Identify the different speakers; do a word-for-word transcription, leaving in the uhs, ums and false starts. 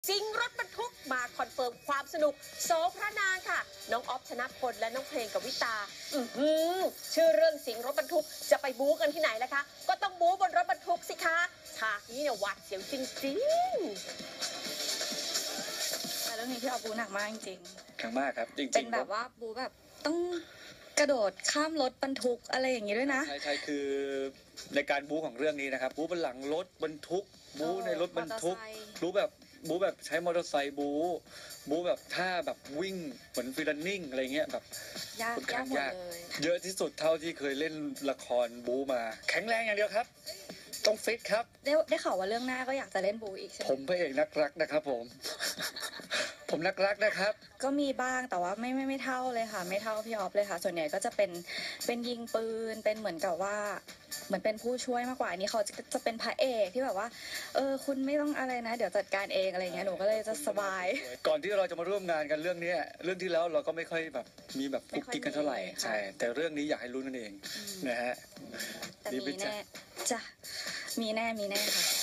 Speaker 1: ซิงรถบรรทุกมาคอนเฟิร์มความสนุกโสพระนางค่ะน้องออฟชนะพลและน้องเพลงกวิตาอือหือชื่อเรื่องสิงรถบรรทุกจะไปบู๊กันที่ไหนล่ะคะก็ต้องบู๊บนรถบรรทุกสิคะฉากนี้เนี่ยหวาดเสียวจริงๆ
Speaker 2: แต่เรื่องนี้พี่ออฟบูหนักมากจริง
Speaker 3: ๆครั้งมากครับจริงๆ
Speaker 2: เป็นแบบว่าบูแบบต้องกระโดดข้ามรถบรรทุกอะไรอย่างนี้ด้วยนะ
Speaker 3: ใช่ใช่คือในการบู๊ของเรื่องนี้นะครับบู๊บนหลังรถบรรทุกบู๊ในรถบรรทุกบู๊แบบบู๊แบบใช้มอเตอร์ไซค์บู๊บู๊แบบท่าแบบวิ่งเหมือนฟิลลิ่งอะไรเงี้ยแบบ
Speaker 2: ยากยากหมดเลย
Speaker 3: เยอะที่สุดเท่าที่เคยเล่นละครบู๊มาแข็งแรงอย่างเดียวครับต้องฟิตครับ
Speaker 2: ได้ได้ข่าวว่าเรื่องหน้าก็อยากจะเล่นบู๊อีกใช่ไหม
Speaker 3: ผมพระเอกนักรักนะครับผม ผมนักรักนะครับ
Speaker 2: ก็มีบ้างแต่ว่าไม่ไม่ไม่เท่าเลยค่ะไม่เท่าพี่ออฟเลยค่ะส่วนใหญ่ก็จะเป็นเป็นยิงปืนเป็นเหมือนกับว่าเหมือนเป็นผู้ช่วยมากกว่าอันนี้เขาจะจะเป็นพระเอกที่แบบว่าเออคุณไม่ต้องอะไรนะเดี๋ยวจัดการเองอะไรเงี้ยหนูก็เลยจะสบาย
Speaker 3: ก่อนที่เราจะมาร่วมงานกันเรื่องนี้เรื่องที่แล้วเราก็ไม่ค่อยแบบมีแบบกุ๊กกิ๊กกันเท่าไหร่ใช่แต่เรื่องนี้อยากให้รู้นั่นเองนะฮะ
Speaker 2: แต่มีแน่จ้ะมีแน่มีแน่ค่ะ